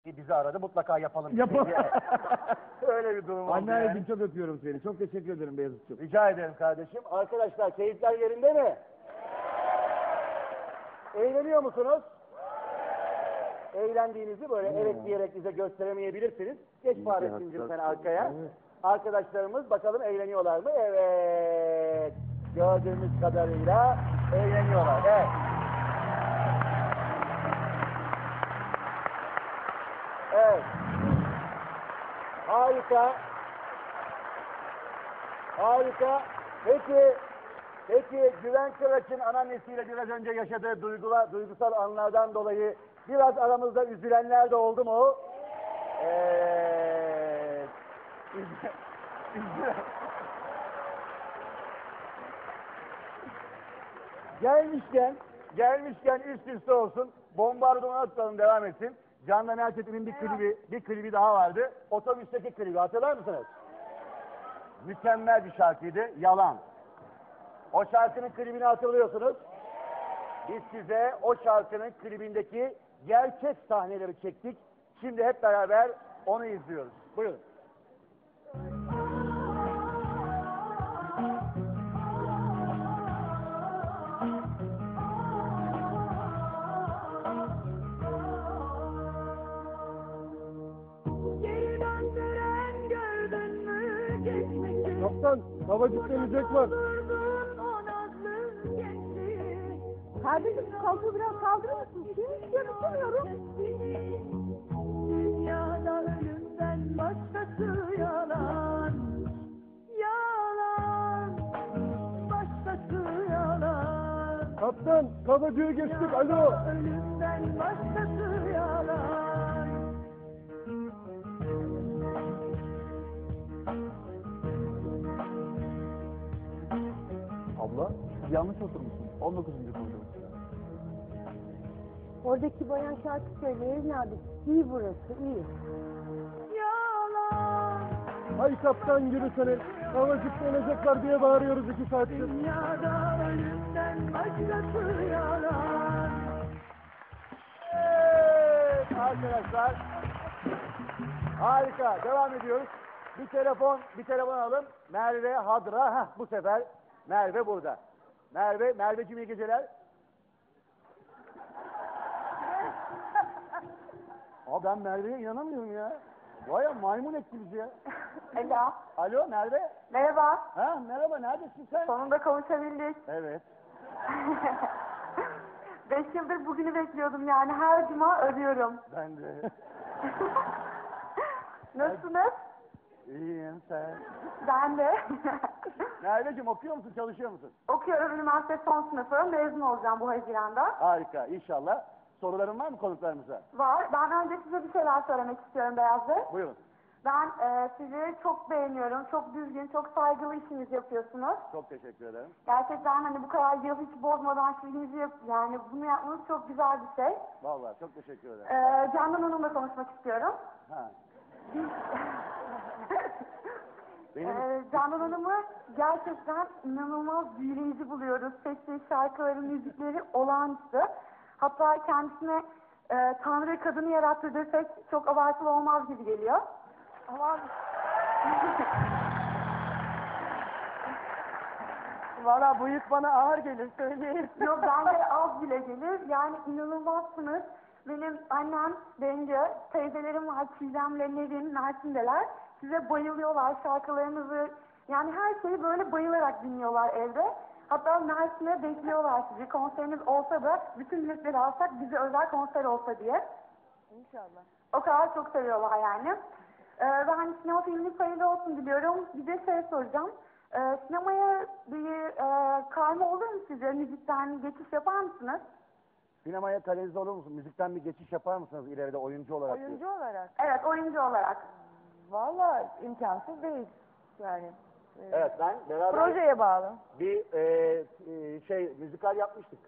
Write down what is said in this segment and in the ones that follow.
Bizi aradı, mutlaka yapalım. Yapalım. Öyle bir durum oldu Anneciğim yani. çok öpüyorum seni. Çok teşekkür ederim Beyazıt'cığım. Rica ederim kardeşim. Arkadaşlar keyifler yerinde mi? Eğleniyor musunuz? Eğlendiğinizi böyle evet diyerek bize gösteremeyebilirsiniz. Geç Fahrettin'cim sen arkaya. Arkadaşlarımız bakalım eğleniyorlar mı? Evet. Gördüğümüz kadarıyla eğleniyorlar. Evet. Evet. Harika. Harika. Peki Güven Kıraç'ın anneannesiyle biraz önce yaşadığı duygusal anlardan dolayı biraz aramızda üzülenler de oldu mu? Evet. Gelmişken üst üste olsun. Bombardıman atalım, devam etsin. Candan Erçetin'in bir klibi daha vardı. Otobüsteki klibi hatırlar mısınız? Mükemmel bir şarkıydı. Yalan. O şarkının klibini hatırlıyorsunuz. Biz size o şarkının klibindeki gerçek sahneleri çektik. Şimdi hep beraber onu izliyoruz. Buyurun. Kaptan, havacık deneyecek var. Kardeşim kalkı biraz kaldırır mısın? Hiç görüşemiyorum. Dünyada ölümden başkası yalan. Yalan. Başkası yalan. Kaptan, kavacığı geçtik. Alo. Ölümden başkası yalan. Abla, yanlış oturmuşsun. 19. koridor. Oradaki bayan şarkı söylüyor evladım. İyi burası, iyi. Yalan. Hay kaptan yürüsene. Havacık deneyecek var diye bağırıyoruz 2 saattir. Dünyada ölümden başkası yalan. Evet arkadaşlar. Harika. Devam ediyoruz. Bir telefon alalım. Merve Hadra. Bu sefer Merve burada. Merveciğim iyi geceler. Ben Merve'ye inanamıyorum ya. Vay ya, maymun etti bizi ya. Alo. Alo Merve. Merhaba. Merhaba, neredesin sen? Sonunda kavuşabildik. Evet. 5 yıldır bugünü bekliyordum yani. Her cuma arıyorum. Ben de. Nasılsınız? İyiyim, sen. Ben de. Merveciğim okuyor musun, çalışıyor musun? Okuyorum. Üniversite son sınıfı. Mezun olacağım bu Haziran'da. Harika, inşallah. Soruların var mı konuklarımıza? Var. Ben önce size bir şeyler söylemek istiyorum Beyaz Bey. Buyurun. Ben sizi çok beğeniyorum. Çok düzgün, çok saygılı işinizi yapıyorsunuz. Çok teşekkür ederim. Gerçekten hani bu kadar yıl hiç bozmadan işinizi yani bunu yapmanız çok güzel bir şey. Vallahi çok teşekkür ederim. Candan Hanım'la konuşmak istiyorum. Candan Hanım'ı gerçekten inanılmaz büyüleyici buluyoruz. Sesli şarkıları, müzikleri olağanüstü. Hatta kendisine Tanrı kadını yarattı desek çok abartılı olmaz gibi geliyor. Ama Valla bu yük bana ağır gelir söyleyeyim. yok bence az bile gelir. Yani inanılmazsınız. Benim annem, Bence, teyzelerim var, Çiğdem'le, Nevin, Mersin'deler. Size bayılıyorlar şarkılarınızı. Yani her şeyi böyle bayılarak dinliyorlar evde. Hatta Mersin'e bekliyorlar sizi. Konseriniz olsa da bütün biletleri alsak bize özel konser olsa diye. İnşallah. O kadar çok seviyorlar yani. Ben sinema filminiz hayırlı olsun diliyorum. Bir de şey soracağım. Sinemaya bir kayma olur mu size? Müzikten geçiş yapar mısınız? Sinemaya kanalize olur musun? Müzikten bir geçiş yapar mısınız ileride oyuncu olarak? Oyuncu olarak. Evet, oyuncu olarak. Valla imkansız değil. Yani. Evet, ben beraber Projeye bağlı. bir müzikal yapmıştık.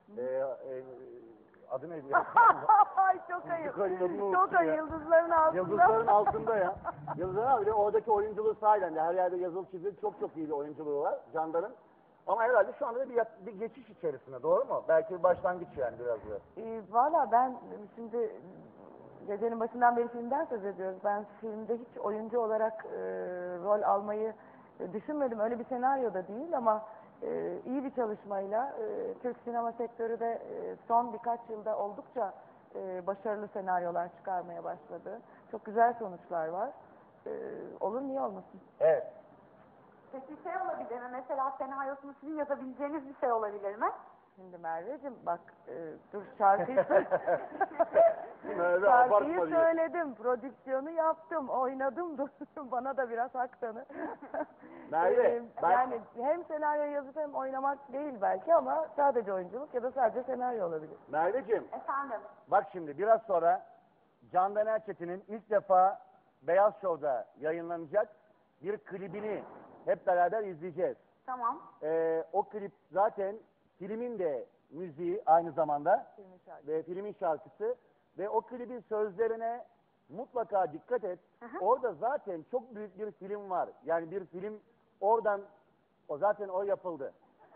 Adı neydi ya? Ay çok ayıp. Müzikalin adını Çok unuttum ayıp. ya. Yıldızların altında. Yıldızların altında ya. Yıldızların altında. Oradaki oyunculuğu sahiden de her yerde yazılı çizili çok iyi bir oyunculuğu var Candan'ın. Ama herhalde şu anda da bir geçiş içerisinde, doğru mu? Belki bir başlangıç yani biraz da. Valla ben şimdi Gecenin başından beri filmden söz ediyoruz. Ben filmde hiç oyuncu olarak rol almayı düşünmedim. Öyle bir senaryo da değil ama iyi bir çalışmayla Türk sinema sektörü de son birkaç yılda oldukça başarılı senaryolar çıkarmaya başladı. Çok güzel sonuçlar var. Olur niye olmasın? Evet. Peki şey olabilir mi? Mesela senaryosunu sizin yazabileceğiniz bir şey olabilir mi? Şimdi Merveciğim bak dur şarkıyı Merve, şarkıyı abartma diyor. söyledim, prodüksiyonu yaptım, oynadım dur bana da biraz hak tanı. Merve, ben- Yani hem senaryo yazıp hem oynamak değil belki ama sadece oyunculuk ya da sadece senaryo olabilir. Merveciğim, Efendim? bak şimdi biraz sonra Candan Erçetin'in ilk defa Beyaz Show'da yayınlanacak bir klibini hep beraber izleyeceğiz. Tamam. O klip zaten filmin de müziği aynı zamanda Filmin şarkısı. ve filmin şarkısı ve o klibin sözlerine mutlaka dikkat et. hı. Orada zaten çok büyük bir film var. Yani bir film oradan zaten o yapıldı.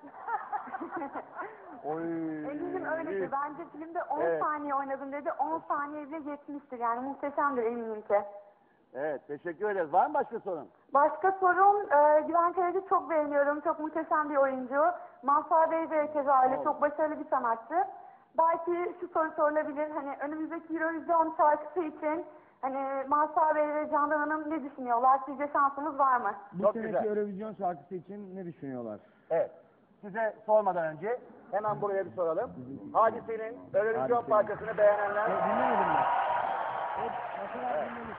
Oy. Eminim öyledir. Bence filmde 10 Evet. saniye oynadım dedi. 10 saniye bile yetmiştir. Yani muhteşemdir eminim ki. Evet, teşekkür ederiz. Var mı başka sorun? Başka sorum, Güven Kayacı çok beğeniyorum. Çok muhteşem bir oyuncu. Mazhar Bey de keza öyle. Çok başarılı bir sanatçı. Belki şu soru sorulabilir. Hani önümüzdeki Eurovision şarkısı için hani Mazhar Bey ve Candan Hanım ne düşünüyorlar? Sizce şansımız var mı? Bu Çok seneki güzel. Eurovision şarkısı için ne düşünüyorlar? Evet. Size sormadan önce hemen buraya bir soralım. Hadise'nin Eurovision Hadise'nin. parçasını beğenenler. Dinlemedim ben. Mesela dinledim.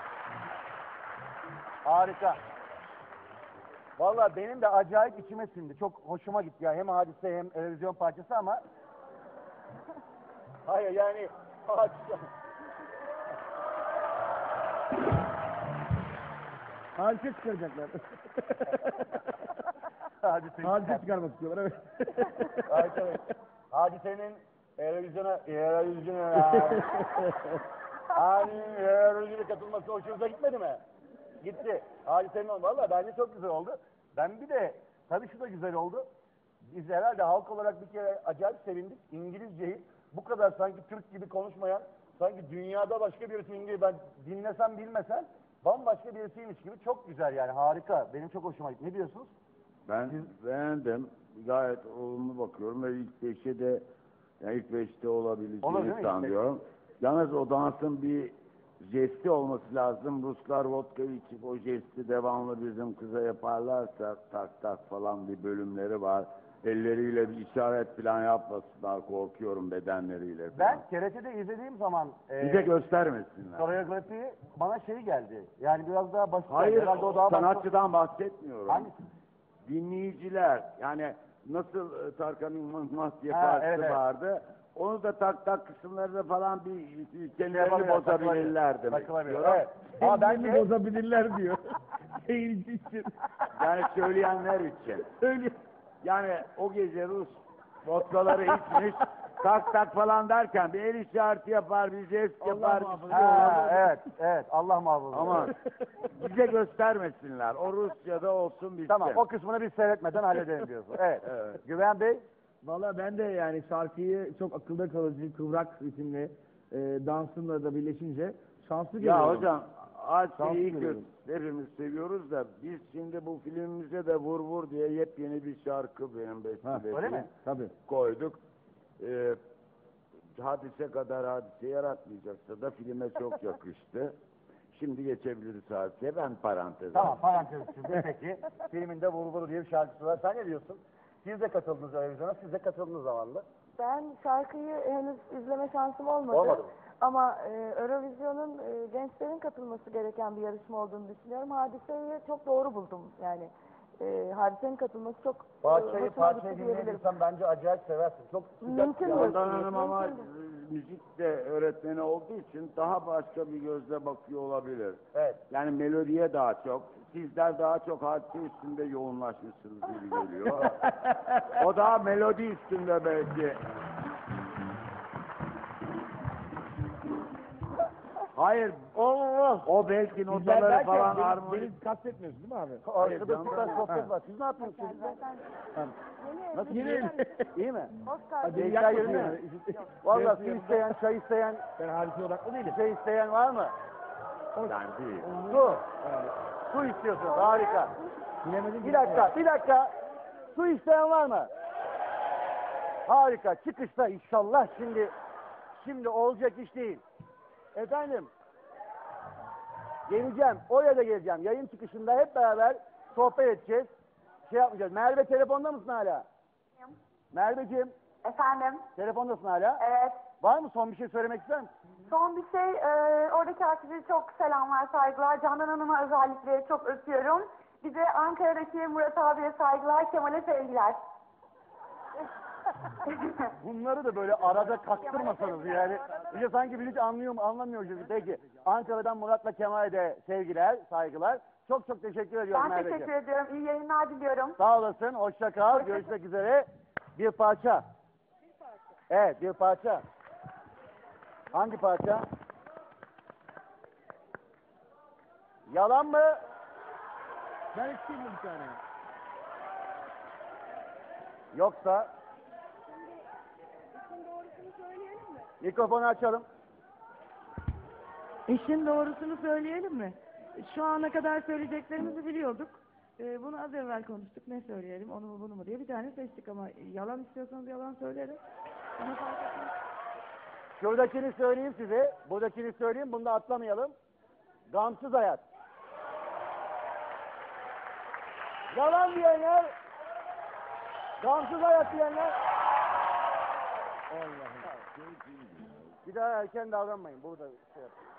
Harika. Vallahi benim de acayip içime sindi. Çok hoşuma gitti ya. Hem Hadise hem Eurovision parçası ama hayır yani Hadise. Hadise çıkaracaklar. Hadise. Hadise çıkarmak istiyorlar evet. Harika. Hadise'nin Eurovision'a hani Eurovision'a katılması hoşunuza gitmedi mi? Gitti. Hadise'nin oldu. Valla bence çok güzel oldu. Ben bir de tabii şu da güzel oldu. Biz herhalde halk olarak bir kere acayip sevindik. İngilizceyi bu kadar sanki Türk gibi konuşmayan, sanki dünyada başka birisinin gibi ben dinlesem bilmesem bambaşka birisiymiş gibi çok güzel yani harika. Benim çok hoşuma gitti. Ne diyorsunuz? Ben beğendim. Gayet olumlu bakıyorum ve ilk beşe de yani ilk beşte Olur değil mi? olabileceğini sanıyorum. Yalnız o dansın bir jesti olması lazım. Ruslar vodka içip o jesti devamlı bizim kıza yaparlarsa tak tak falan bir bölümleri var. Elleriyle bir işaret falan yapmasınlar korkuyorum bedenleriyle falan. Ben TRT'de izlediğim zaman Bir de göstermesinler. koreografiyi bana şey geldi. Yani biraz daha basit. Hayır, Herhalde o daha sanatçıdan bahsetmiyorum. Hangisi? Dinleyiciler, yani nasıl Tarkan Yılmaz diye Ha, parçası evet, evet. vardı. Onu da tak tak kısımlarında falan bir kendilerini Yapabilir, bozabilirler demek takılabilir, istiyorum. evet. Ama Kendilerini bence bozabilirler diyor. Seyirci için. Yani söyleyenler için. Söyle. Yani o gece Rus vodkaları içmiş, tak tak falan derken bir el işareti yapar, bir jest yapar. muhafaza. bir şey olur. ha, evet Allah muhafaza. Ama bize göstermesinler. O Rusya'da olsun bitsin. Tamam o kısmını biz seyretmeden halledelim diyorsun. Evet. Evet. Güven Bey Valla ben de yani şarkıyı çok akılda kalıcı, kıvrak ritimli dansınla da birleşince şanslı görüyorum. Ya hocam Şanslı Hadise'yi görüyorum. hepimiz seviyoruz da biz şimdi bu filmimize de vur vur diye yepyeni bir şarkı benim Ha, bestelediğim öyle mi? Tabii. koyduk. Hadise kadar hadise yaratmayacaksa da filme çok yakıştı. Şimdi geçebiliriz hadiseye. Ben parantez. tamam parantez içinde peki. Filminde Vur diye bir şarkısı var. Sen ne diyorsun? Siz de katıldınız Eurovision'a. Siz de katıldınız zamanında. Ben şarkıyı henüz izleme şansım olmadı. Olmadı mı? Ama Eurovision'un gençlerin katılması gereken bir yarışma olduğunu düşünüyorum. Hadiseyi çok doğru buldum. Yani Hadise'nin katılması çok Parçayı hoşuma gitti diyebilirim. dinleyebilirsen bence acayip seversin. Çok sıcak. Mümkün bir- mü? Ondan Hanım ama Mümkün. müzik de öğretmeni olduğu için daha başka bir gözle bakıyor olabilir. Evet. Yani melodiye daha çok, sizler daha çok hadise üstünde yoğunlaşmışsınız gibi geliyor. O daha melodi üstünde belki. Hayır, Allah! o belki Bizler notaları derken falan beni armonik. kastetmiyorsun değil mi abi? Arkada canım. süper sohbet Ha. var. Siz ne yapıyorsunuz çocuklar? Nasıl Yeni gidiyor? İyi mi? Hadi Keyifler yakmasın yerinde yani. mi? Valla Benim su yanımda isteyen, çay isteyen, Ben hadise odaklı değilim. şey isteyen var mı? Ben değil. Su. Su istiyorsunuz. Harika. Bilemedim. Bir dakika. Su isteyen var mı? Harika. Çıkışta inşallah şimdi olacak iş değil. Efendim. Geleceğim. Oraya da geleceğim. Yayın çıkışında hep beraber sohbet edeceğiz. Şey yapmayacağız. Merve telefonda mısın hala? Merveciğim, Efendim? telefondasın hala. Evet. Var mı son bir şey söylemek ister misin? Son bir şey, oradaki herkese çok selamlar, saygılar. Candan Hanım'a özellikle çok öpüyorum. Bir de Ankara'daki Murat abiye saygılar, Kemal'e sevgiler. Bunları da böyle arada kaktırmasanız yani. Bir de sanki bir hiç anlıyor mu anlamıyor gibi. Peki Ankara'dan Murat'la Kemal'e de sevgiler, saygılar. Çok çok teşekkür ediyorum Ben Merveciğim. teşekkür ediyorum. İyi yayınlar diliyorum. Sağ olasın, hoşça kal. Görüşmek üzere. Bir parça. Evet, bir parça. Hangi parça? Yalan mı? Ben isteyeyim bir tane. Yoksa? Mikrofonu açalım. İşin doğrusunu söyleyelim mi? Şu ana kadar söyleyeceklerimizi biliyorduk. Bunu az evvel konuştuk. Ne söyleyelim, onu mu bunu mu diye bir tane seçtik ama yalan istiyorsanız yalan söylerim. Bana fark etmez. Şuradakini söyleyeyim size. Buradakini söyleyeyim. Bunu da atlamayalım. Gamsız hayat. Yalan diyenler. Gamsız hayat diyenler. Allah'ım. Bir daha erken davranmayın. Burada şey yapın.